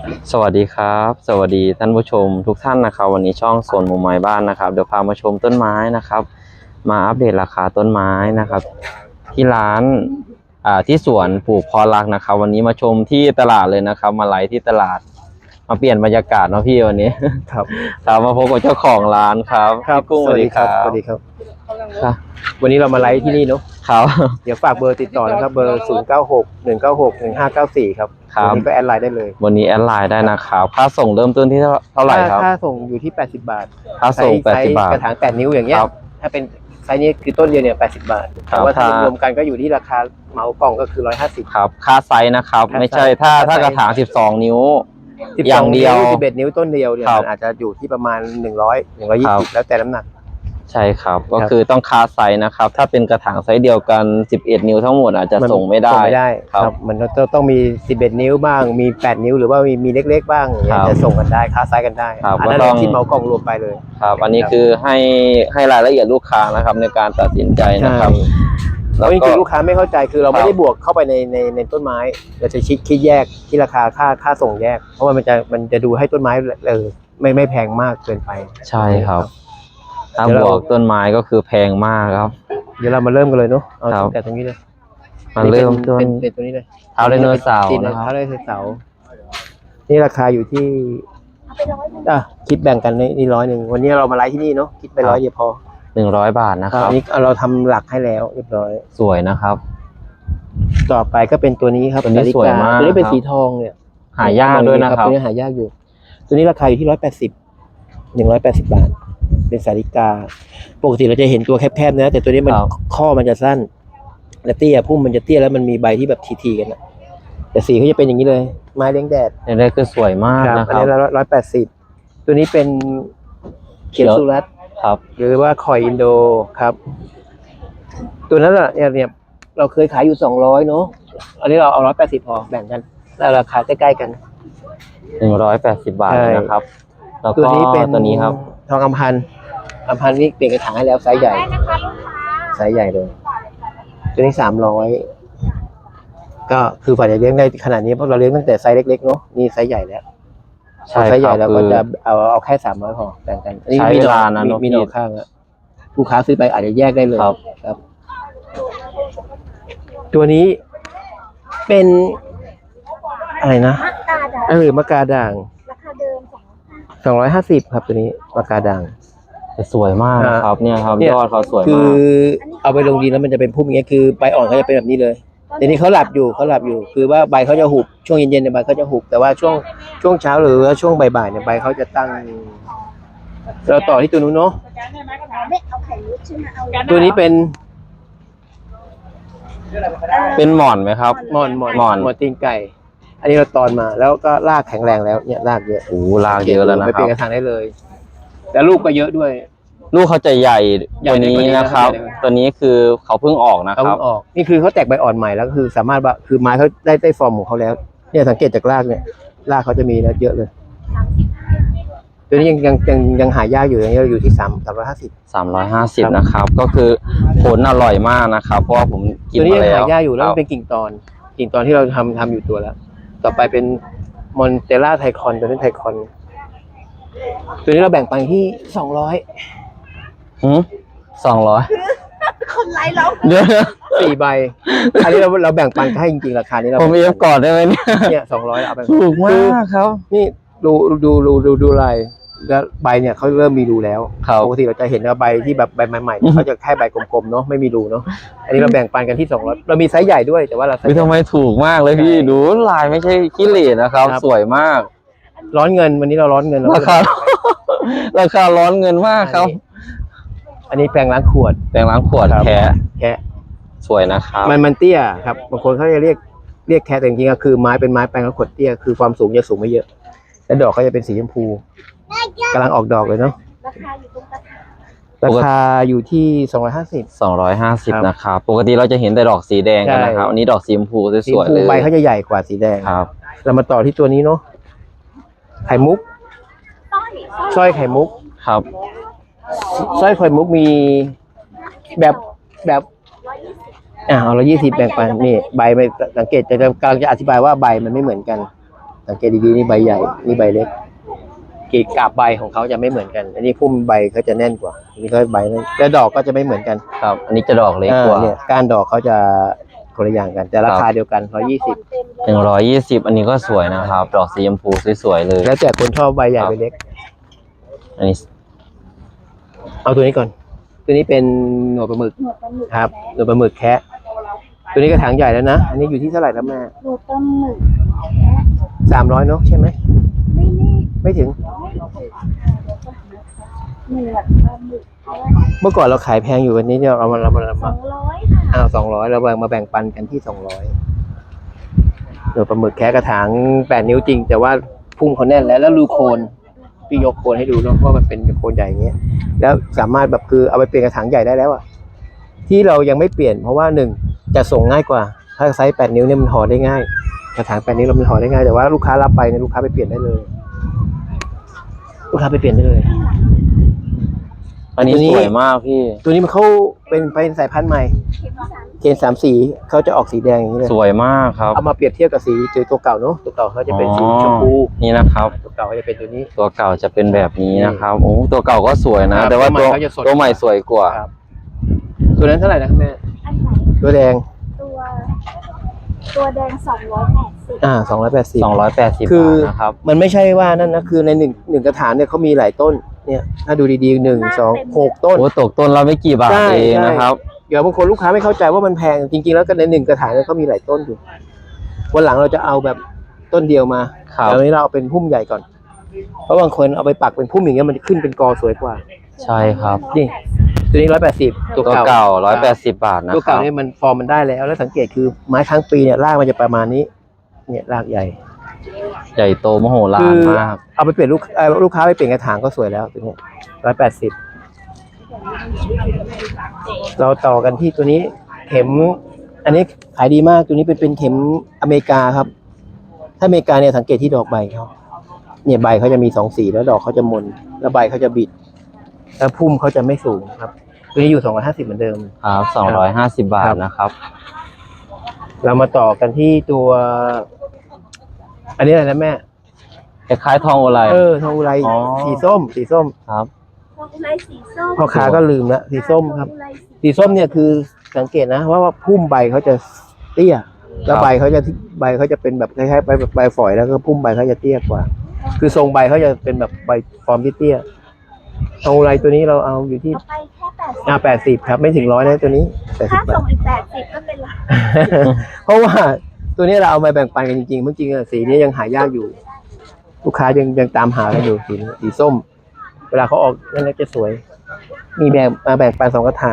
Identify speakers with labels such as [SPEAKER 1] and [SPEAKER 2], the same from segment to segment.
[SPEAKER 1] สวัสดีครับสวัสดีท่านผู้ชมทุกท่านนะครับวันนี้ช่องสวนมุมไม้บ้านนะครับเดี๋ยวพามาชมต้นไม้นะครับมาอัปเดตราคาต้นไม้นะครับที่ร้านที่สวนปลูกพอรักนะครับวันนี้มาชมที่ตลาดเลยนะครับมาไลฟ์ที่ตลาดมาเปลี่ยนบรรยากาศเนาะพี่วันนี้
[SPEAKER 2] ครับ
[SPEAKER 1] ครับมาพบกับเจ้าของร้านครับพี่กุ้งสวัสดีครับ
[SPEAKER 2] สวัสดีครับวันนี้เรามาไลฟ์ที่นี่เนาะ
[SPEAKER 1] ครับ
[SPEAKER 2] เดี๋ยวฝากเบอร์ติดต่อนะครับเบอร์0961961594ครับวันนี้ก็แอดไลน์ได้เลย
[SPEAKER 1] วันนี้แอดไลน์ได้นะครับค่าส่งเริ่มต้นที่เท่าไหร่ครับ
[SPEAKER 2] ค่าส่งอยู่ที่80 บาท
[SPEAKER 1] ค่าส่ง80 บาท
[SPEAKER 2] กระถาง8 นิ้วอย่างเงี้ยถ้าเป็นไซส์นี้คือต้นเดียวเนี่ย80 บาทแต่ว่าถ้ารวมกันก็อยู่ที่ราคาเหมากล่องก็คือ150
[SPEAKER 1] ครับค่าไซส์นะครับไม่ใช่ถ้ากระถาง12 นิ้ว
[SPEAKER 2] อย่างเดียว11 นิ้วต้นเดียวเนี่ยอาจจะอยู่ที่ประมาณ120แล้วแต่น้ำหนัก
[SPEAKER 1] ใช่ครับก็คือต้องคาไซส์นะครับถ้าเป็นกระถางไซส์เดียวกัน11 นิ้วทั้งหมดอาจจะส่งไม่ได้
[SPEAKER 2] ครับมันต้องมี11 นิ้วบ้างมี8 นิ้วหรือว่ามีเล็กๆบ้างจะส่งกันได้คาไซส์กันได้อันนั้นที่เหมากล่องรวมไปเลย
[SPEAKER 1] ครับอันนี้คือให้รายละเอียดลูกค้านะครับในการตัดสินใจนะครับ
[SPEAKER 2] แล้วจริงๆลูกค้าไม่เข้าใจคือเราไม่ได้บวกเข้าไปในต้นไม้เราจะคิดแยกที่ราคาค่าส่งแยกเพราะว่ามันจะดูให้ต้นไม้ไม่แพงมากเกินไป
[SPEAKER 1] ใช่ครับถ้าบวกต้นไม้ก็คือแพงมากครับ
[SPEAKER 2] เดี๋ยวเรามาเริ่มกันเลยเนาะเอาแต่ตรงนี้เลย
[SPEAKER 1] มาเริ่มต้น
[SPEAKER 2] เป็นตัวนี้เลย
[SPEAKER 1] เท้าไดโนเสาร์
[SPEAKER 2] นะครับเท้าไดโนเสาร์นี่ราคาอยู่ที่คิดแบ่งกันนี่100วันนี้เรามาไลฟ์ที่นี่เนาะคิดไป100เดียวพอ
[SPEAKER 1] 100 บาทนะครับ
[SPEAKER 2] นี่เราทำหลักให้แล้วเรียบร้อย
[SPEAKER 1] สวยนะครับ
[SPEAKER 2] ต่อไปก็เป็นตัวนี้ครับ
[SPEAKER 1] ตัวนี้สวยมาก
[SPEAKER 2] ตัวนี้เป็นสีทองเนี่ย
[SPEAKER 1] หายากด้วยนะครับ
[SPEAKER 2] ตัวนี้หายากอยู่ตัวนี้ราคาอยู่ที่180 บาทเป็นสาลิกาปกติเราจะเห็นตัวแคบๆนะแต่ตัวนี้มันข้อมันจะสั้นและเตี้ยพุ่มมันจะเตี้ยแล้วมันมีใบที่แบบทีๆกันนะแต่สีเขาจะเป็นอย่างนี้เลยไม้เลี้ยงแดด
[SPEAKER 1] นี่คือสวยมากนะครับ
[SPEAKER 2] อันนี้180ตัวนี้เป็นเขียวสุรัต
[SPEAKER 1] ครับ
[SPEAKER 2] หรือว่าคอยอินโดครับตัวนั้นเนี่ยเราเคยขายอยู่200เนาะอันนี้เราเอา180พอแบ่งกันแล้วราคาใกล้ๆกัน
[SPEAKER 1] 180 บาทนะครับแล้วก็
[SPEAKER 2] ตัวนี้เป็น
[SPEAKER 1] ตัวนี้ครับ
[SPEAKER 2] ทองอัมพันธ์นี่เปลี่ยนกระถางให้แล้วไซส์ใหญ่เลยตัวนี้300ก็คือฝ่ายจะเลี้ยงได้ขนาดนี้เพราะเราเลี้ยงตั้งแต่ไซส์เล็กๆเนาะนี่ไซส์ใหญ่แล้วไซส์ใหญ่เราก็จะเอาแค่300พอแบ่งกัน
[SPEAKER 1] อันนี้มีร้านนะ
[SPEAKER 2] มีหน่อข้างอะลูกค้าซื้อไปอาจจะแยกได้เลยครับตัวนี้เป็นอะไรนะมะกาด่างราคาเดิม250ครับตัวนี้มะกาด่าง
[SPEAKER 1] สวยมากนะครับเนี่ยครับยอดเขาสวยมาก
[SPEAKER 2] คือเอาไปลงดินแล้วมันจะเป็นพุ่มอย่างเงี้ยคือใบอ่อนเขาจะเป็นแบบนี้เลยแต่นี้เขาหลับอยู่คือว่าใบเขาจะหุบช่วงเย็นๆเนี่ยใบเขาจะหุบแต่ว่าช่วงเช้าหรือว่าช่วงบ่ายๆเนี่ยใบเขาจะตั้งเราต่อที่ตัวนู้นเนาะตัวนี้เป็น
[SPEAKER 1] หมอนไหมครับ
[SPEAKER 2] หมอนตีนไก่อันนี้เราตอนมาแล้วก็รากแข็งแรงแล้วเนี่ยรากเยอะ
[SPEAKER 1] รากเยอะแล้วนะครับ
[SPEAKER 2] ไปเปลี่ยนกระถางได้เลยแต่ลูกก็เยอะด้วย
[SPEAKER 1] ลูกเขาจะใหญ่ตัวนี้นะครับตัวนี้คือเขาเพิ่งออกนะครับ
[SPEAKER 2] นี่คือเขาแตกใบอ่อนใหม่แล้วคือสามารถคือไม้เขาได้ฟอร์มของเขาแล้วเนี่ยสังเกตจากรากเนี่ยรากเขาจะมีแล้วเยอะเลยตัวนี้ยังหายากอยู่อย่างนี้อยู่ที่350
[SPEAKER 1] นะครับก็คือผลอร่อยมากนะครับเพราะว่าผมกินมาแล้ว
[SPEAKER 2] ตัวนี้ยังหายากอยู่แล้วมันเป็นกิ่งตอนที่เราทำอยู่ตัวแล้วต่อไปเป็นมอนเตล่าไทคอนตัวนี้ไทคอนตัวนี้เราแบ่งปันที่
[SPEAKER 1] 200
[SPEAKER 3] คนไลฟ์เรา
[SPEAKER 2] 4 ใบอันนี้เราแบ่งปันให้จริงๆราคานี้เรา
[SPEAKER 1] ผมเอฟก่อนได้ไหม
[SPEAKER 2] เนี่ย200เอาไป
[SPEAKER 1] ถูกมากครับ
[SPEAKER 2] นี่ดูลายแล้วใบเนี่ยเขาเริ่มมีรูแล้วปกติเราจะเห็นว่าใบที่แบบใบใหม่ๆเขาจะแค่ใบกลมๆเนาะไม่มีรูเนาะอันนี้เราแบ่งปันกันที่200เรามีไซส์ใหญ่ด้วยแต่ว่าเรา
[SPEAKER 1] ทำไมถูกมากเลยพี่ดูลายไม่ใช่ขี้เหร่นะครับสวยมาก
[SPEAKER 2] ร้อนเงินวันนี้เราร้อนเงิน
[SPEAKER 1] ราคาร้อนเงินมากครับ
[SPEAKER 2] อันนี้แปรงล้างขวดแคะ
[SPEAKER 1] สวยนะครับ
[SPEAKER 2] มันเตี้ยครับบางคนเขาจะเรียกแคะแต่จริงๆก็คือไม้เป็นไม้แปรงล้างขวดเตี้ยคือความสูงจะสูงไม่เยอะและดอกก็จะเป็นสีชมพูกำลังออกดอกเลยเนาะราคาอยู่ที่250
[SPEAKER 1] นะครับปกติเราจะเห็นแต่ดอกสีแดงกันนะครับอันนี้ดอกสีชมพูสวยๆเลย
[SPEAKER 2] ใบเขาจะใหญ่กว่าสีแดง
[SPEAKER 1] ครับ
[SPEAKER 2] เรามาต่อที่ตัวนี้เนาะไข่มุกสร้อยไข่มุก
[SPEAKER 1] ครับ
[SPEAKER 2] สร้อยไข่มุกมีแบบเอา120แบ่งปันนี่ใบไม่สังเกตจะกำลังจะอธิบายว่าใบมันไม่เหมือนกันสังเกตดีๆนี่ใบใหญ่นี่ใบเล็กกาบใบของเขาจะไม่เหมือนกัน อันนี้พุ่มใบเขาจะแน่นกว่าอันนี้ก็ใบแน่นแต่ดอกก็จะไม่เหมือนกัน
[SPEAKER 1] ครับ อันนี้จะดอกเล็กกว่า
[SPEAKER 2] เนี่ยก้านดอกเขาจะคนละอย่างกัน แต่ราคาเดียวกัน120
[SPEAKER 1] 120อันนี้ก็สวยนะครับ ดอกสีชมพูสวยๆเลย
[SPEAKER 2] แล้วแต่คนชอบใบใหญ่ใบเล็ก
[SPEAKER 1] อันนี้
[SPEAKER 2] เอาตัวนี้ก่อน ตัวนี้เป็นหนวดปลาหมึกครับหนวดปลาหมึกแคะตัวนี้กระถางใหญ่แล้วนะอันนี้อยู่ที่เท่าไหร่แล้วแม่
[SPEAKER 3] หนูปลาหมึก
[SPEAKER 2] 300เนาะใช่ไหม
[SPEAKER 3] ไม่นี่
[SPEAKER 2] ไม่ถึง
[SPEAKER 3] เหนือดปลาหมึก
[SPEAKER 2] เมื่อก่อนเราขายแพงอยู่วันนี้เนี่ยเรามา
[SPEAKER 3] 200ค่ะ
[SPEAKER 2] 200เรามาแบ่งปันกันที่200หนวดปลาหมึกแคะกระถาง8 นิ้วจริง แต่ว่าพุ่มเขาแน่นแล้วดูโคนพี่ยกโคนให้ดูเนาะว่ามันเป็นโคนใหญ่อย่างเงี้ยแล้วสามารถแบบคือเอาไปเปลี่ยนกระถางใหญ่ได้แล้วอะที่เรายังไม่เปลี่ยนเพราะว่า1จะส่งง่ายกว่าถ้าไซส์8 นิ้วเนี่ยมันห่อได้ง่ายกระถาง8 นิ้วเรามันห่อได้ง่ายแต่ว่าลูกค้ารับไปเนี่ยลูกค้าไปเปลี่ยนได้เลยลูกค้าไปเปลี่ยนได้เลย
[SPEAKER 1] อันนี้สวยมากพี่
[SPEAKER 2] ตัวนี้มันเขาเป็นสายพันธุ์ใหม่เกณฑ์3 สีเขาจะออกสีแดงอย่างนี้เลย
[SPEAKER 1] สวยมากครับ
[SPEAKER 2] เอามาเปรียบเทียบกับสีตัวเก่าเนาะตัวเก่าเขาจะเป็นสีชมพู
[SPEAKER 1] นี่นะครับ
[SPEAKER 2] ตัวเก่าเขาจะเป็นตัวนี้
[SPEAKER 1] ตัวเก่าจะเป็นแบบนี้นะครับโอ้ตัวเก่าก็สวยนะ
[SPEAKER 2] ครับ
[SPEAKER 1] แต่ว่า
[SPEAKER 2] ตัวใหม่เขาจะสด
[SPEAKER 1] ตัวใหม่สวยกว่า
[SPEAKER 2] ครับตัวนั้นเท่าไหร่นะแม่
[SPEAKER 3] อันไหน
[SPEAKER 2] ตัวแดง
[SPEAKER 3] ตัวแดง280
[SPEAKER 2] 280
[SPEAKER 1] 280
[SPEAKER 2] คือบ
[SPEAKER 1] าทนะครับ
[SPEAKER 2] มันไม่ใช่ว่านั่นนะคือในหนึ่งกระถางเนี่ยเขามีหลายต้นเนี่ยถ้าดูดีๆ1 2 6 ต้น
[SPEAKER 1] โอ้ตกต้นละไม่กี่บาท
[SPEAKER 2] ใช่
[SPEAKER 1] เอง
[SPEAKER 2] ใช่
[SPEAKER 1] นะครับ
[SPEAKER 2] เดี๋ยวบางคนลูกค้าไม่เข้าใจว่ามันแพงจริงๆแล้วก็ใน1กระถางเนี่ยเขามีหลายต้นอยู่วันหลังเราจะเอาแบบต้นเดียวมา
[SPEAKER 1] ครับ
[SPEAKER 2] แต่วันนี้เราเอาเป็นพุ่มใหญ่ก่อน เพราะบางคนเอาไปปักเป็นพุ่มอย่างเงี้ยมันจะขึ้นเป็นกอสวยกว่า
[SPEAKER 1] ใช่ครับ
[SPEAKER 2] นี่ตัวนี้180ตัว
[SPEAKER 1] ตัว
[SPEAKER 2] เก่า
[SPEAKER 1] เก่า180 บาทนะ
[SPEAKER 2] ตัว
[SPEAKER 1] ครั
[SPEAKER 2] เก่า
[SPEAKER 1] บ
[SPEAKER 2] เนี่ยมันฟอร์มมันได้แล้วแล้วสังเกตคือไม้ค้างปีเนี่ยรากมันจะประมาณนี้ เนี่ยรากใหญ่
[SPEAKER 1] ใหญ่โตมโหฬา
[SPEAKER 2] คื
[SPEAKER 1] ร
[SPEAKER 2] อ
[SPEAKER 1] มาก
[SPEAKER 2] เอาไปเปลี่ยนลูกค้าไปเปลี่ยนกระถางก็สวยแล้วตัวเนี้ย180เราต่อกันที่ตัวนี้เข็ม อันนี้ขายดีมากตัวนี้เป็นเข็มอเมริกาครับ ถ้าอเมริกาเนี่ยสังเกตที่ดอกใบเขาเนี่ยใบเขาจะมี2 สีแล้วดอกเขาจะมนแล้วใบเขาจะบิดแล้วพุ่มเขาจะไม่สูงครับ ตัวนี้อยู่250เหมือนเดิม
[SPEAKER 1] ครับ250 บาทนะครับ
[SPEAKER 2] เรามาต่อกันที่ตัว อันนี้อะไรนะแม่
[SPEAKER 1] คล้ายๆทองโอไล
[SPEAKER 2] ทองอุไร
[SPEAKER 1] อ๋อ
[SPEAKER 2] สีส้ม
[SPEAKER 1] ครับ
[SPEAKER 3] ทองอุไรสีส้ม
[SPEAKER 2] พ่อค้าก็ลืมละสีส้มครับ
[SPEAKER 3] ทองอุไรสี
[SPEAKER 2] สีส้มเนี่ยคือสังเกตนะว่าพุ่มใบเขาจะเตี้ย แล้วใบเขาจะเป็นแบบคล้ายๆใบฝอยแล้วก็พุ่มใบเขาจะเตี้ยกว่า คือทรงใบเขาจะเป็นแบบใบฟอร์มที่เตี้ยทองอุไรตัวนี้เราเอาอยู่ที่
[SPEAKER 3] เอาไปแค่80
[SPEAKER 2] 80ครับไม่ถึง100นะตัวนี้80
[SPEAKER 3] ถ้า
[SPEAKER 2] บา
[SPEAKER 3] ส่
[SPEAKER 2] ท
[SPEAKER 3] งอีก80ก็เป็นละ
[SPEAKER 2] เพราะว่าตัวนี้เราเอามาแบ่งปันกันจริงๆเมื่อจริงๆสีนี้ยังหายากอยู่ ลูกค้ายังตามหากันอยู่สีส้ม เวลาเขาออกนั่นจะสวย มีแบ่งปัน2 กระถาง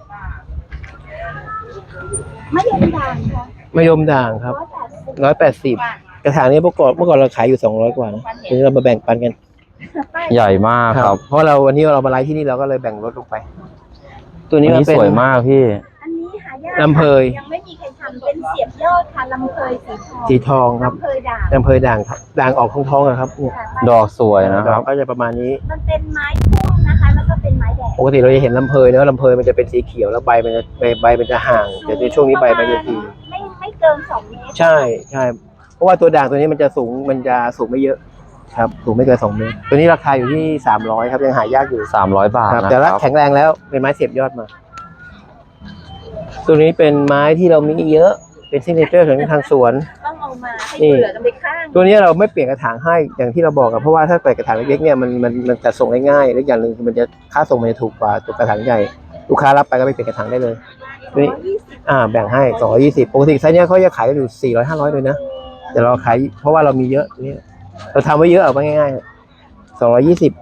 [SPEAKER 3] ไม่ยอมด่างค่ะ
[SPEAKER 2] มะยมด่างครับ
[SPEAKER 3] 180
[SPEAKER 2] 180 กระถางนี้เมื่อก่อนเราขายอยู่200 กว่านะทีนี้เรามาแบ่งปันกัน
[SPEAKER 1] ใหญ่มากครับ
[SPEAKER 2] เพราะวันนี้เรามาไลฟ์ที่นี่เราก็เลยแบ่งลดลงไป ตัว
[SPEAKER 1] อัน
[SPEAKER 2] นี้มัน
[SPEAKER 1] นี้
[SPEAKER 2] เป็น
[SPEAKER 1] สวยมากพี่
[SPEAKER 3] อันนี้หายาก
[SPEAKER 2] ลำเพย
[SPEAKER 3] ยังไม่มีใครทำเป็นเสียบยอดค่ะลำเพยสีทอง
[SPEAKER 2] สีทองครับ
[SPEAKER 3] ลำเพยด่าง
[SPEAKER 2] ลำเพยด่างครับด่างออกทองๆอะครับเนี่ย
[SPEAKER 3] ค่ะ
[SPEAKER 1] ดอกสวยนะค
[SPEAKER 2] ด
[SPEAKER 1] รั
[SPEAKER 2] อบ กก็จะประมาณนี้
[SPEAKER 3] มันเป็นไม้พุ่มนะคะ แล้วก็เป็นไม้แดง
[SPEAKER 2] ปกติเราจะเห็นลำเพยเนอะลำเพยมันจะเป็นสีเขียวแล้วใบมันจะห่างแต่ในช่วงนี้ใบมันจะที
[SPEAKER 3] ไม่เกิน2 เมตร
[SPEAKER 2] ใช่เพราะว่าตัวด่างตัวนี้มันจะสูงไม่เยอะครับสูงไม่เกิน2 เมตรตัวนี้ราคาอยู่ที่300ครับยังหายากอยู่
[SPEAKER 1] 300 บาท
[SPEAKER 2] ครับ
[SPEAKER 1] นะ
[SPEAKER 2] แต่
[SPEAKER 1] ค
[SPEAKER 2] ละ
[SPEAKER 1] รับ
[SPEAKER 2] แข็งแรงแล้วเป็นไม้เสียบยอดมา ตัวนี้เป็นไม้ที่เรามีเยอะเป็นซิกเนเจอร์ของทางสวน
[SPEAKER 3] ต้องเอามาให้
[SPEAKER 2] นี่
[SPEAKER 3] เผื่อกันไปข้าง
[SPEAKER 2] ตัวนี้เราไม่เปลี่ยนกระถางให้อย่างที่เราบอกอะเพราะว่าถ้าเปลี่ยนกระถางเล็กๆเนี่ยมันจะส่งได้ง่ายและอย่างหนึ่งคือมันจะค่าส่งมันจะถูกกว่าตัวกระถางใหญ่ลูกค้ารับไปก็ไปเปลี่ยนกระถางได้เลยตัวนี้
[SPEAKER 3] 120
[SPEAKER 2] แบ่งให้220ปกติไซส์เนี้ยเขาจะขายกันอยู่400 500เลยนะแต่เราขายเพราะว่าเรามีเยอะนี่เราทำไว้เยอะเอาไว้ง่ายๆ220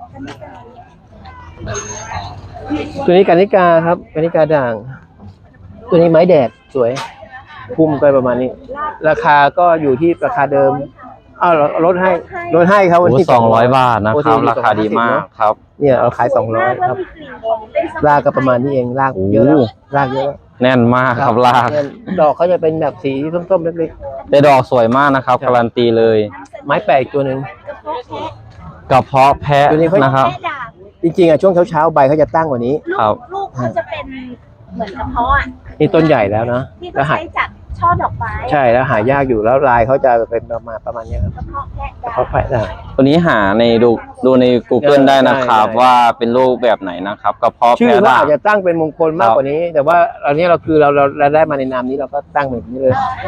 [SPEAKER 2] ตัวนี้กานิกาครับกานิกาด่าง ตัวนี้ไม้แดดสวยพุ่มก็ประมาณนี้ ราคาก็อยู่ที่ราคาเดิมลดให้ครับวัน
[SPEAKER 1] โอ้
[SPEAKER 2] ที่
[SPEAKER 1] 200 บาทนะครับ ราคาดีมากครับ
[SPEAKER 2] เนี่ยเราขาย200ครับรากก็ประมาณนี้เองรากเยอะแล้วรากเยอะแล้ว
[SPEAKER 1] แน่นมากครับลาก
[SPEAKER 2] เนี่ยดอกเขาจะเป็นแบบสีส้มๆเล็ก
[SPEAKER 1] แต่ดอกสวยมากนะครับ การันตีเลย
[SPEAKER 2] ๆไม้แปลกตัวหนึ่ง
[SPEAKER 3] กระเพาะแพะ
[SPEAKER 1] กระเพาะแพะ
[SPEAKER 2] ตัวนี้เขา
[SPEAKER 1] นะครับ
[SPEAKER 3] แพะด่าง
[SPEAKER 2] จริงๆช่วงเช้าๆใบเขาจะตั้งกว่านี้
[SPEAKER 1] ครับ
[SPEAKER 3] ลูกเขาจะเป็นเหมือนกระเพาะอ่ะ
[SPEAKER 2] นี่ต้นใหญ่แล้วนะ
[SPEAKER 3] ที่
[SPEAKER 2] แล้ว
[SPEAKER 3] เขา
[SPEAKER 2] หาย
[SPEAKER 3] ใช้จัดช่อดอกไม้
[SPEAKER 2] ใช่แล้วหายากอยู่แล้วลายเขาจะเป็นประมาณนี้ครับ
[SPEAKER 3] กระเพาะแพะ
[SPEAKER 2] กระเพาะแพะได้
[SPEAKER 1] ตัวนี้หาในดูใน Google ได้นะครับ
[SPEAKER 2] ได้
[SPEAKER 1] ว่าเป็นรูปแบบไหนนะครับกระเพาะ
[SPEAKER 2] ชื่อ
[SPEAKER 1] แพะ
[SPEAKER 2] ว่า
[SPEAKER 1] ด่าง
[SPEAKER 2] อาจจะตั้งเป็นมงคลมากกว่านี้ แต่ว่าอันนี้เราคือเราได้มาในนามนี้เราก็ตั้งแบบนี้เลย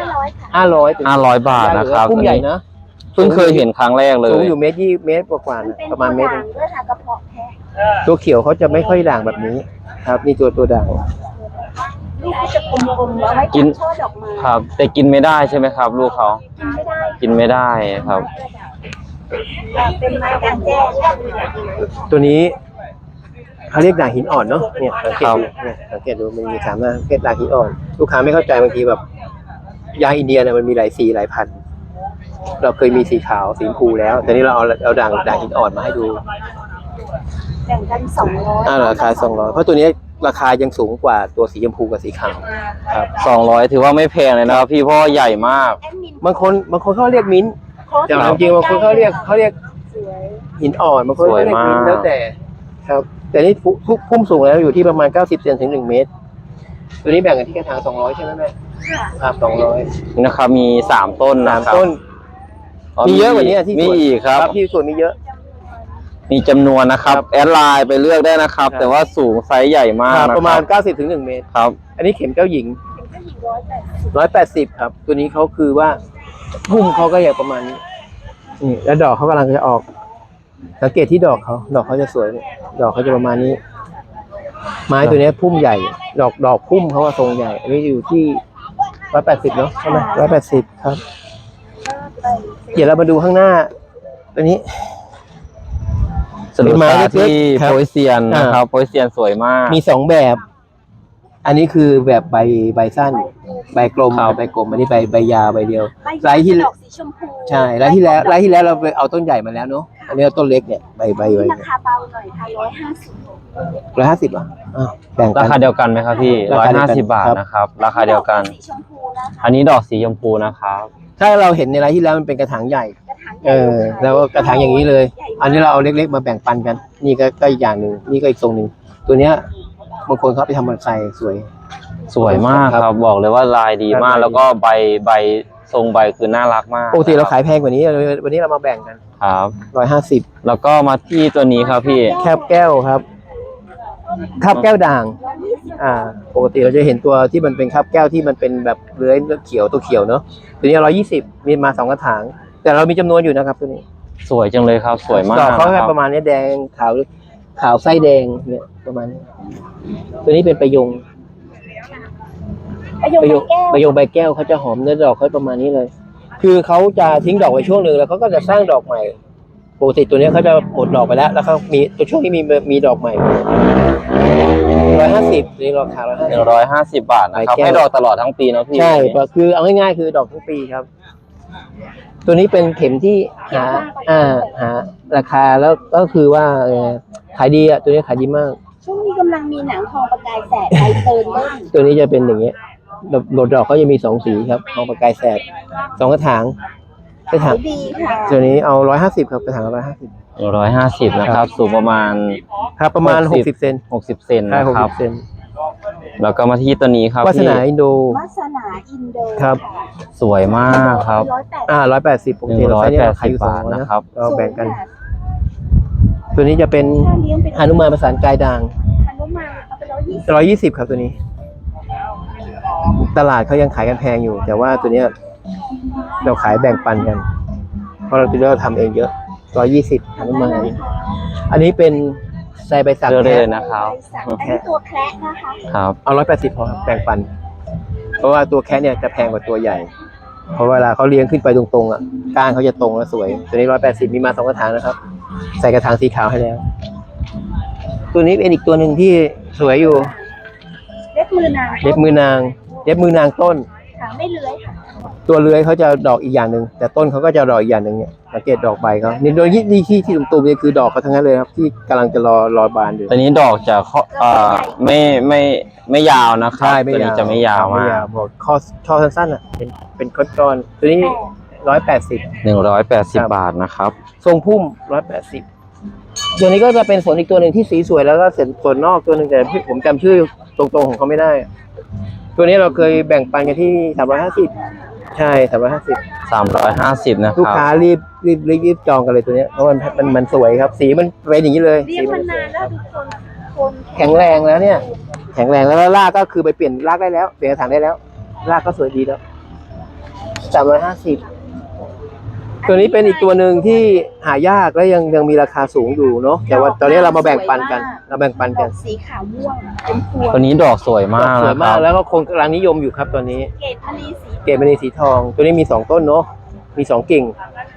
[SPEAKER 3] 500 ค่ะ
[SPEAKER 2] 500
[SPEAKER 1] 500 บาทนะครับ
[SPEAKER 2] พุ่มใหญ่นะ
[SPEAKER 1] เพิ่งเคยเห็นครั้งแรกเล
[SPEAKER 2] สูง
[SPEAKER 1] ย
[SPEAKER 2] อยู่เมตรกว่าๆ
[SPEAKER 3] มัน
[SPEAKER 2] นะ
[SPEAKER 3] เป็น
[SPEAKER 2] ประมาณเมตร
[SPEAKER 3] ด่างด้วยค่ะกระเพาะแพะ
[SPEAKER 2] ตัวเขียวเขาจะไม่ค่อยด่างแบบนี้ ครับนี่ตัวด่าง
[SPEAKER 3] ลูกเขาจะกลมๆแล้วไว้
[SPEAKER 1] กิน
[SPEAKER 3] ช่อดอกไม้
[SPEAKER 1] ครับ แต่กินไม่ได้ใช่ไหมครับ ลูกเขา
[SPEAKER 3] กินไม่ได้
[SPEAKER 1] กินไม่ได้ครับ
[SPEAKER 3] เป็นไม้กลางแจ้ง
[SPEAKER 2] ตัวนี้เขาเรียกด่างหินอ่อนเนาะเนี่ยสังเกต
[SPEAKER 1] ครับ
[SPEAKER 2] ดูเนี่ยสังเกตดูมันมีสามหน้าสังเกตด่างหินอ่อน ลูกค้าไม่เข้าใจบางทีแบบยาอินเดียเนี่ยมันมีหลายสีหลายพันธุ์เราเคยมีสีขาวสีชมพูแล้วแต่นี่เราเอาด่างหินอ่อนมาให้ดู
[SPEAKER 3] แบ่งกัน200
[SPEAKER 2] ราคา200เพราะตัวนี้ราคายังสูงกว่าตัวสีชมพูกับสีขาวครับ
[SPEAKER 1] 200ถือว่าไม่แพงเลยนะครับพี่เพราะว่าใหญ่มาก
[SPEAKER 3] แอดมิน
[SPEAKER 2] บางคนเขาเรียกมิ้นท์
[SPEAKER 3] โค้ด
[SPEAKER 2] แต่จริงๆบางคนเขาเรียก
[SPEAKER 3] สวย
[SPEAKER 2] หินอ่อนบางคนเขาเรียกมิ้นท์
[SPEAKER 1] สวยมาก
[SPEAKER 2] แล้วแต่ครับ แต่นี่พุ่มสูงแล้วอยู่ที่ประมาณ90 เซนถึง1 เมตร ตัวนี้แบ่งกันที่กระถาง200ใช่ไหมแม่
[SPEAKER 3] ค่ะ
[SPEAKER 2] ครับ200
[SPEAKER 1] นี่นะครับมี3ต้นนะครับ
[SPEAKER 2] ต้น มีเยอะกว่านี้ที่
[SPEAKER 1] มี
[SPEAKER 2] สวน
[SPEAKER 1] อีกครับ
[SPEAKER 2] ที่สวนมีเยอะ
[SPEAKER 1] มีจำนวนนะครับ
[SPEAKER 2] ครับ
[SPEAKER 1] แอดไลน์ไปเลือกได้นะครับ
[SPEAKER 2] ครับ
[SPEAKER 1] แต่ว่าสูงไซส์ใหญ่มากนะ
[SPEAKER 2] ประ
[SPEAKER 1] ค
[SPEAKER 2] มา
[SPEAKER 1] รั
[SPEAKER 2] ณ
[SPEAKER 1] บ
[SPEAKER 2] 90 ถึง 1 เมตร
[SPEAKER 1] ครับ
[SPEAKER 2] อันนี้เข็มเจ้าหญิง
[SPEAKER 3] เป็นก็อยู่180
[SPEAKER 2] 180 ครับ ตัวนี้เขาคือว่าพุ่มเขาก็อย่างประมาณนี้นี่แล้วดอกเขากำลังจะออก สังเกตที่ดอกเขาจะสวยเนี่ยดอกเขาจะประมาณนี้ ไม้ตัวเนี้ยพุ่มใหญ่ ดอกพุ่มเขาว่าทรงใหญ่ อันนี้อยู่ที่180เนาะใช่ไหม180 ครับ เดี๋ยวเรามาดูข้างหน้า ตัวนี้
[SPEAKER 1] สรุป
[SPEAKER 2] เป็นไม้
[SPEAKER 1] ตา
[SPEAKER 2] เล็กๆ
[SPEAKER 1] ที่
[SPEAKER 2] ครับ
[SPEAKER 1] โพยเซียนนะครับโพยเซียนสวยมาก
[SPEAKER 2] มี2 แบบ อันนี้คือแบบใบสั้น ใบกลม
[SPEAKER 1] ครับ
[SPEAKER 2] ใบกลม อันนี้ใบยาวใบเดียว
[SPEAKER 3] ใบ
[SPEAKER 2] ไลท์ที่
[SPEAKER 3] ดอกสีชมพู
[SPEAKER 2] ใช่ไลท์ที่แล้วเราไปเอาต้นใหญ่มาแล้วเนาะ อันนี้เอาต้นเล็กเนี่ยใบ
[SPEAKER 3] ราคาเบาหน่อยค่ะ150
[SPEAKER 2] 150อ่ะอ้าวแบ่งกั
[SPEAKER 1] ราน คาเดียวกันไหมครับพี่
[SPEAKER 2] ราคาเดียวกัน
[SPEAKER 1] 150 บาท
[SPEAKER 2] ครับ
[SPEAKER 1] นะครับ ราคาเดียวกัน
[SPEAKER 3] สีชมพูนะคะ
[SPEAKER 1] อันนี้ดอกสีชมพูนะครับ
[SPEAKER 2] ถ้าเราเห็นในไลท์ที่แล้วมันเป็นกระถางใหญ่
[SPEAKER 3] กระถางใหญ่
[SPEAKER 2] แล้วก็กระถางอย่างนี้เลย อันนี้เราเอาเล็กๆมาแบ่งปันกัน นี่ก็อีกอย่างหนึ่งนี่ก็อีกทรงหนึ่งตัวเนี้ยบางคนเขาไปทำบอนไซสวย
[SPEAKER 1] สวยมากครับ บอกเลยว่าลายดีมาก
[SPEAKER 2] ลายดี
[SPEAKER 1] แล้วก็ใบทรงใบคือน่ารักมาก
[SPEAKER 2] ปกติเราขายแพงกว่านี้วันนี้เรามาแบ่งกัน
[SPEAKER 1] ครับ
[SPEAKER 2] 150
[SPEAKER 1] แล้วก็มาที่ตัวนี้ครับพี่
[SPEAKER 2] แคบแก้วครับคาบแก้วด่าง ปกติเราจะเห็นตัวที่มันเป็นคาบแก้วที่มันเป็นแบบเลื้อยเขียวตัวเขียวเนาะตัวนี้120มีมา2 กระถาง แต่เรามีจำนวนอยู่นะครับตัวนี้
[SPEAKER 1] สวยจังเลยครับ สวยมาก
[SPEAKER 2] ดอกเขา
[SPEAKER 1] นะ
[SPEAKER 2] แค่
[SPEAKER 1] ครับ
[SPEAKER 2] ประมาณนี้แดงขาวไส้แดงเนี่ยประมาณนี้ ตัวนี้เป็นประยง
[SPEAKER 3] ประโยคแก้ว
[SPEAKER 2] ใบแก้วเขาจะหอมเนื้อดอกเขาประมาณนี้เลย คือเขาจะทิ้งดอกไว้ช่วงหนึ่งแล้วเขาก็จะสร้างดอกใหม่ ปกติตัวนี้เขาจะหมดดอกไปแล้ว แล้วเขามีตัวช่วงนี้มีดอกใหม่150นี่ราคา150
[SPEAKER 1] 150 บาทนะครับ
[SPEAKER 2] ใบแก้ว
[SPEAKER 1] ให้ดอกตลอดทั้งปีนะพี่
[SPEAKER 2] ใช่คือเอาง่ายๆคือดอกทั้งปีครับ ตัวนี้เป็นเข็มที่หาราคาแล้วก็คือว่าขายดีอ่ะตัวนี้ขายดีมาก
[SPEAKER 3] ช่วงนี้กำลังมีหนังทองประกายแสดใบเติร์นเล่น
[SPEAKER 2] ตัวนี้จะเป็นอย่างเงี้ยดอกเขาจะมี2 สีครับทองประกายแสด2 กระถางกระถาง
[SPEAKER 3] ดีค่ะ
[SPEAKER 2] ตัวนี้เอา150ครับกระถาง150
[SPEAKER 1] 150นะครับ สูงประมาณ
[SPEAKER 2] ครับประมาณ60 เซน
[SPEAKER 1] 60 เซน
[SPEAKER 2] ใช่
[SPEAKER 1] นะครับ
[SPEAKER 2] 60 เซน
[SPEAKER 1] แล้วก็มาที่ตัวนี้ครับ
[SPEAKER 2] วาส
[SPEAKER 1] พี่
[SPEAKER 2] นาอินโด
[SPEAKER 3] วาสนาอินโด
[SPEAKER 2] ครับ
[SPEAKER 1] สวยมากครับ
[SPEAKER 2] 180ปกติเราใช้เนี่ยขายอยู่
[SPEAKER 1] 180
[SPEAKER 2] 200
[SPEAKER 1] บาทนะครับ
[SPEAKER 2] เราแบ่งกัน ตัวนี้จะเป็น
[SPEAKER 3] ถ้าเลี้ยงเป็น
[SPEAKER 2] หนุมานประสานกายด่าง
[SPEAKER 3] ฮนุมานเอาไป120
[SPEAKER 2] 120ครับตัวนี้ ตลาดเขายังขายกันแพงอยู่ แต่ว่าตัวเนี้ยเราขายแบ่งปันกัน เพราะเราทำเองเยอะ120หนุมานอันนี้เป็นไซใบสัก
[SPEAKER 1] เลือกได้
[SPEAKER 2] แท้
[SPEAKER 1] เลยนะครับ
[SPEAKER 3] อันนี้ตัวแคระนะคะ
[SPEAKER 1] ครับ
[SPEAKER 2] เอา180พอครับแบ่งปัน เพราะว่าตัวแคะเนี่ยจะแพงกว่าตัวใหญ่ เพราะเวลาเขาเลี้ยงขึ้นไปตรงๆอ่ะก้านเขาจะตรงและสวย ตัวนี้180มีมา2 กระถางนะครับ ใส่กระถางสีขาวให้แล้ว ตัวนี้เป็นอีกตัวหนึ่งที่สวยอยู่
[SPEAKER 3] เล็บมือนาง
[SPEAKER 2] เล็บมือนางต้น
[SPEAKER 3] ค่ะไม่เลื้อยค่ะ
[SPEAKER 2] ตัวเลื้อยเขาจะดอกอีกอย่างหนึ่งแต่ต้นเขาก็จะดอกอีกอย่างหนึ่งเนี่ยสังเกตดอกใบเขานี่โดยที่ตุ่มๆนี่คือดอกเขาทั้งนั้นเลยครับที่กำลังจะรอบานอยู่
[SPEAKER 1] ตัวนี้ดอกจะไม่ยาวนะครับ ตัวนี้จะไม่ยาวมาก
[SPEAKER 2] บอกข้อสั้นๆอ่ะเป็นก้อนๆตัวนี้180
[SPEAKER 1] 180 บาทนะครับ
[SPEAKER 2] ทรงพุ่ม180ตัวนี้ก็จะเป็นสวนอีกตัวหนึ่งที่สีสวยแล้วก็ส่วนนอกตัวหนึ่งแต่ผมจำชื่อตรงๆของเขาไม่ได้ ตัวตัวนี้เราเคยแบ่งปันกันที่350ใช่350
[SPEAKER 1] 350นะค
[SPEAKER 2] ลูก
[SPEAKER 1] รับ
[SPEAKER 2] ค้ารีบจองกันเลยตัวเนี้ยเพราะมันสวยครับ สีมันเป็นอย่างนี้เลย
[SPEAKER 3] เรีย
[SPEAKER 2] สี
[SPEAKER 3] ก
[SPEAKER 2] มั
[SPEAKER 3] มาน นานแล้วทุกคนคน
[SPEAKER 2] แข็งแรงแล้วเนี่ย แข็งแรงแล้วรากก็คือไปเปลี่ยนรากได้แล้วเปลี่ยนกระถางได้แล้วรากก็สวยดีแล้ว350ตัวนี้เป็นอีกตัวหนึ่งที่หายากและยังมีราคาสูงอยู่เนาะแต่ว่าตอนนี้เรามาแบ่งปันกัน
[SPEAKER 3] ดอกสีขาวม่วงเป็นพวง
[SPEAKER 1] ตัวนี้ดอกสวยมาก
[SPEAKER 2] สวย
[SPEAKER 1] นะค
[SPEAKER 2] มา
[SPEAKER 1] รั
[SPEAKER 2] ก
[SPEAKER 1] บ
[SPEAKER 2] แล้วก็คงกำลังนิยมอยู่ครับตอนนี้
[SPEAKER 3] เกตมณีสี
[SPEAKER 2] เกรดมณีสีทอง ตัวนี้มี2ต้นเนาะมี2กิ่ง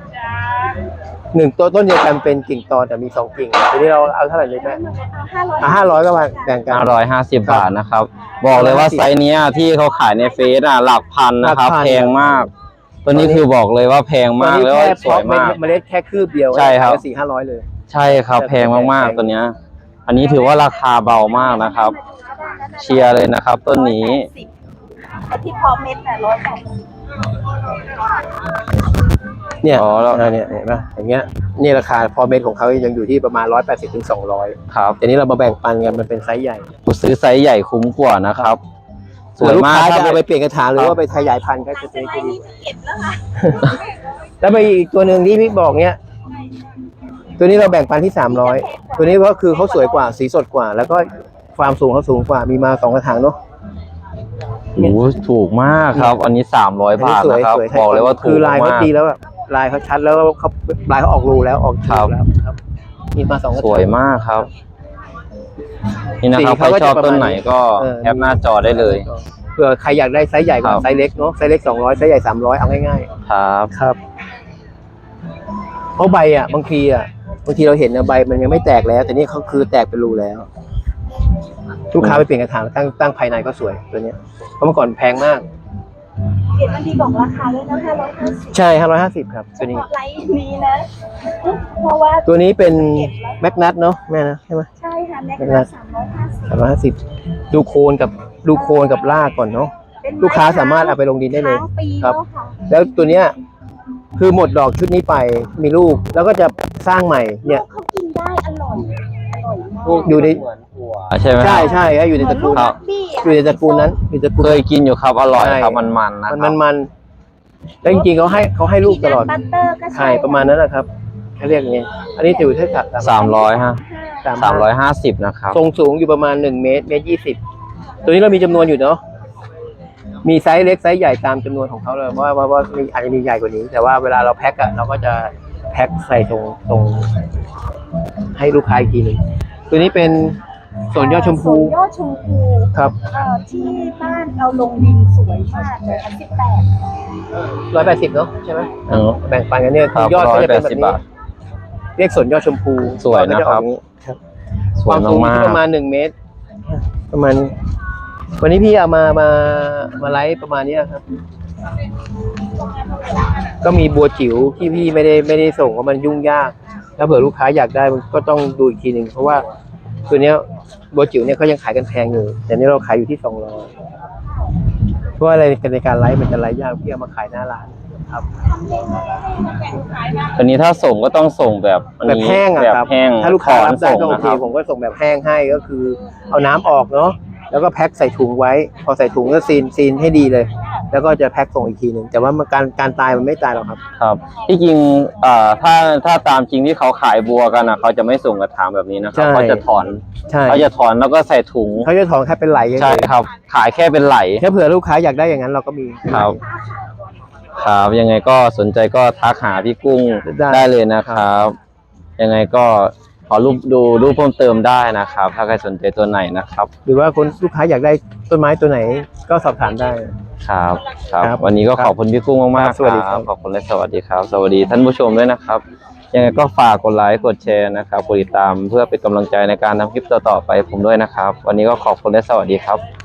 [SPEAKER 2] 1ต้นเดียวกันเป็นกิ่งตอนแต่มี2กิ่งตัวนี้เราเอาเท่าไหร่เลยแม่ 500ก็มาแบ่งกัน
[SPEAKER 1] 550 บาทนะครับ บอกเลยว่าไซส์เนี้ยที่เขาขายในเฟซหลักพันนะครับ
[SPEAKER 2] หลักพัน
[SPEAKER 1] แพงมาก ตัวนี้คือบอกเลยว่าแพงมากแล้วก็สวยมาก
[SPEAKER 2] เมล็ดแค่คืบเดียว
[SPEAKER 1] ใช่ครับ
[SPEAKER 2] 400-500เลย
[SPEAKER 1] ใช่ครับแพงมากๆตัวเนี้ย อันนี้ถือว่าราคาเบามากนะครับ เชียร์เลยนะครับต้นนี้
[SPEAKER 3] ไอ้ที่พอเม็ดน่ะ180
[SPEAKER 2] เนี่ย
[SPEAKER 1] อ๋อแล้ว
[SPEAKER 2] เนี่ยเห็นป่ะอย่างเงี้ยนี่ราคาพอเม็ดของเขายังอยู่ที่ประมาณ180-200
[SPEAKER 1] ครับ
[SPEAKER 2] แต่นี้เรามาแบ่งปันกันมันเป็นไซส์ใหญ่
[SPEAKER 1] ซื้อไซส์ใหญ่คุ้มกว่านะครับ ส
[SPEAKER 2] ส่ว
[SPEAKER 1] วน ย
[SPEAKER 2] ลูก
[SPEAKER 1] มาก
[SPEAKER 2] ค้า
[SPEAKER 1] ค
[SPEAKER 2] จะ
[SPEAKER 1] รับ
[SPEAKER 2] เอาไปเปลี่ยนกระถางหรือว่าไปขยายพันธุ์ก็จะ
[SPEAKER 3] เป็
[SPEAKER 2] เป็น น
[SPEAKER 3] ไร
[SPEAKER 2] ดี
[SPEAKER 3] นี่เก็บแล้วค่ะ
[SPEAKER 2] แล้วไปอีกตัวหนึ่งที่พี่บอกเนี้ยตัวนี้เราแบ่งปันที่300ตัวนี้ก็คือเขาสวยกว่าสีสดกว่า แล้วก็ความสูงเขาสูงกว่ามีมา2กระถางเนาะ
[SPEAKER 1] โอ้โหถูกมากครับ อันนี้300 บาทนะครับ
[SPEAKER 2] สวย
[SPEAKER 1] บอกเลยว่าถู
[SPEAKER 2] คื
[SPEAKER 1] ก
[SPEAKER 2] อลายเขา
[SPEAKER 1] มาก
[SPEAKER 2] ดีแล้วอะลายเขาชัดแล้วเขาลายเขาออกรูแล้วออกชูแล้วครับมีมา2กระถาง
[SPEAKER 1] สวยมากครับ นี่นะครับ
[SPEAKER 2] สี
[SPEAKER 1] ใคร
[SPEAKER 2] เขาก็
[SPEAKER 1] ชอบ
[SPEAKER 2] จะประมาณ
[SPEAKER 1] ต้นไหนก็แคปหน้าจอได้เลย
[SPEAKER 2] เผื่อใครอยากได้ไซส์ใหญ่กว่า
[SPEAKER 1] ครับ
[SPEAKER 2] ไซส์เล็กเนาะไซส์เล็ก200ไซส์ใหญ่300เอาง่าย
[SPEAKER 1] ครับ
[SPEAKER 2] ๆครับเพราะใบอ่ะบางทีเราเห็นนะใบมันยังไม่แตกแล้ว แต่นี่เขาคือแตกเป็นรูแล้วลูกค้าไปเปลี่ยนกระถางตั้งภายในก็สวยตัวเนี้ยเพราะเมื่อก่อนแพงมาก
[SPEAKER 3] เกตมณีบอกราคาด้วยนะ550
[SPEAKER 2] ใช่550ครับตัวนี้
[SPEAKER 3] ไลฟ์นี้นะ เพราะว่า
[SPEAKER 2] ตัวนี้เป็นแมกนัทเนาะแม่นะใช่ไหม
[SPEAKER 3] ใช่ค่ะแม็กนัส
[SPEAKER 2] 350
[SPEAKER 3] 350
[SPEAKER 2] ดูโคนกับรากก่อนเนาะ ลูกค้าสามารถเอาไปลงดินได้เลย
[SPEAKER 3] ค้างปี
[SPEAKER 2] ครับ
[SPEAKER 3] แล้วค่ะ
[SPEAKER 2] แล้วตัวเนี้ยคือหมดดอกชุดนี้ไปมีลูกแล้วก็จะสร้างใหม่เนี่ย
[SPEAKER 3] เขากินได้อร่อยมาก
[SPEAKER 2] อยู่ใน
[SPEAKER 1] ใช่ไหมค
[SPEAKER 2] ใช่
[SPEAKER 1] รับ
[SPEAKER 2] ใช่ครับอยู่ในตระกูล
[SPEAKER 1] ครับ
[SPEAKER 2] อยู่ในตระกูลนั้นอยู่ในตระกูล
[SPEAKER 1] เคยกินอยู่ครับอร่อย
[SPEAKER 2] ใช่
[SPEAKER 1] ครับมันๆนะครับ
[SPEAKER 2] มันแล้วจริงๆเขาให้ลูกตลอด
[SPEAKER 3] บัตเตอร์ก็
[SPEAKER 2] ใช่ประมาณนั้นนะครับเขาเรียกอย่างไงอันนี้ถือเท่ากับ
[SPEAKER 1] 300ฮะ
[SPEAKER 2] 300
[SPEAKER 1] 350นะครับ
[SPEAKER 2] ทรงสูงอยู่ประมาณ1 เมตร20ตัวนี้เรามีจำนวนอยู่เนาะมีไซส์เล็กไซส์ใหญ่ตามจำนวนของเขาเลยว่ามีอาจจะมีใหญ่กว่านี้ แต่ว่าเวลาเราแพ็คอะเราก็จะแพ็คใส่ตรงให้ลูกค้าอีกทีหนึงตัวนี้เป็นสวนยอดชมพู
[SPEAKER 3] สวนยอดชมพู
[SPEAKER 2] ครับ
[SPEAKER 3] ที่บ้านเอาลงดินสวยมากเลย18
[SPEAKER 2] 180เนาะใช่ไหม
[SPEAKER 1] อืม
[SPEAKER 2] แบ่งปันกันเนี่ย
[SPEAKER 1] ครับ
[SPEAKER 2] ยอดก็จะเป็นแบบ
[SPEAKER 1] 180
[SPEAKER 2] นี้
[SPEAKER 1] บาท
[SPEAKER 2] เรียกสวนยอดชมพู
[SPEAKER 1] สวยนะครับ
[SPEAKER 2] ยอดก็จออกอย่างนี้ครับ
[SPEAKER 1] ส
[SPEAKER 2] คว วาย มสูง
[SPEAKER 1] มา
[SPEAKER 2] ที่
[SPEAKER 1] ก
[SPEAKER 2] ประมาณ1 เมตร ประมาณ วันนี้พี่เอามาไลฟ์ประมาณนี้ครับ ก็มีบัวจิ๋วที่พี่ไม่ได้ส่งเพราะมันยุ่งยาก ถ้าเผื่อลูกค้าอยากได้มันก็ต้องดูอีกทีหนึ่งเพราะว่าตัวเนี้ยบัวจิ๋วเนี่ยเขายังขายกันแพงอยู่แต่นี่เราขายอยู่ที่200เพราะว่าอะไรในการไลฟ์มันจะไลฟ์ยากพี่เอามาขายหน้าร้านครับ
[SPEAKER 1] ๆ อันนี้ถ้าส่งก็ต้องส่งแบบอัน
[SPEAKER 2] แบบ
[SPEAKER 1] นี้
[SPEAKER 2] แห้งอะ
[SPEAKER 1] แบบ
[SPEAKER 2] ครับ
[SPEAKER 1] แห้ง
[SPEAKER 2] ถ้าลูกค้ารับได้
[SPEAKER 1] ส่ง
[SPEAKER 2] ก็โอ
[SPEAKER 1] นะ
[SPEAKER 2] เค
[SPEAKER 1] ครับ
[SPEAKER 2] ผมก็ส่งแบบแห้งให้ก็คือ เอาน้ำออกเนาะแล้วก็แพ็คใส่ถุงไว้ พอใส่ถุงก็ซีนให้ดีเลย แล้วก็จะแพ็คส่งอีกทีหนึ่งแต่ว่ามันการตายมันไม่ตายหรอกครับ
[SPEAKER 1] ครับที่จริงถ้าตามจริงที่เขาขายบัวกันนะเขาจะไม่ส่งกระถางแบบนี้นะครับ
[SPEAKER 2] ใช่
[SPEAKER 1] เขาจะถอน
[SPEAKER 2] ใช่
[SPEAKER 1] เขาจะถอนแล้วก็ใส่ถุง
[SPEAKER 2] เขาจะถอนแค่เป็นไหล
[SPEAKER 1] ใช่ครับ ขายแค่เป็นไหล
[SPEAKER 2] ถ้าเผื่อลูกค้าอยากได้อย่างนั้นเราก็มี
[SPEAKER 1] ครับ ครับยังไงก็สนใจก็ทักหาพี่กุ้ง
[SPEAKER 2] ได้
[SPEAKER 1] ได้เลยนะครับ ยังไงก็ขอดูรูปเพิ่มเติมได้นะครับ ถ้าใครสนใจตัวไหนนะครับ
[SPEAKER 2] หรือว่าคนลูกค้าอยากได้ต้นไม้ตัวไหนก็สอบถามได้
[SPEAKER 1] ครับครับ
[SPEAKER 2] ครับ
[SPEAKER 1] วันนี้ก็ขอบคุณพี่กุ้งมาก
[SPEAKER 2] ครับ
[SPEAKER 1] ๆ
[SPEAKER 2] สวัสดีครับ
[SPEAKER 1] ขอบคุณและสวัสดีครับ สวัสดีท่านผู้ชมด้วยนะครับ ยังไงก็ฝากกดไลค์กดแชร์นะครับกดติดตามเพื่อเป็นกำลังใจในการทำคลิปต่อๆไปผมด้วยนะครับ วันนี้ก็ขอบคุณและสวัสดีครับ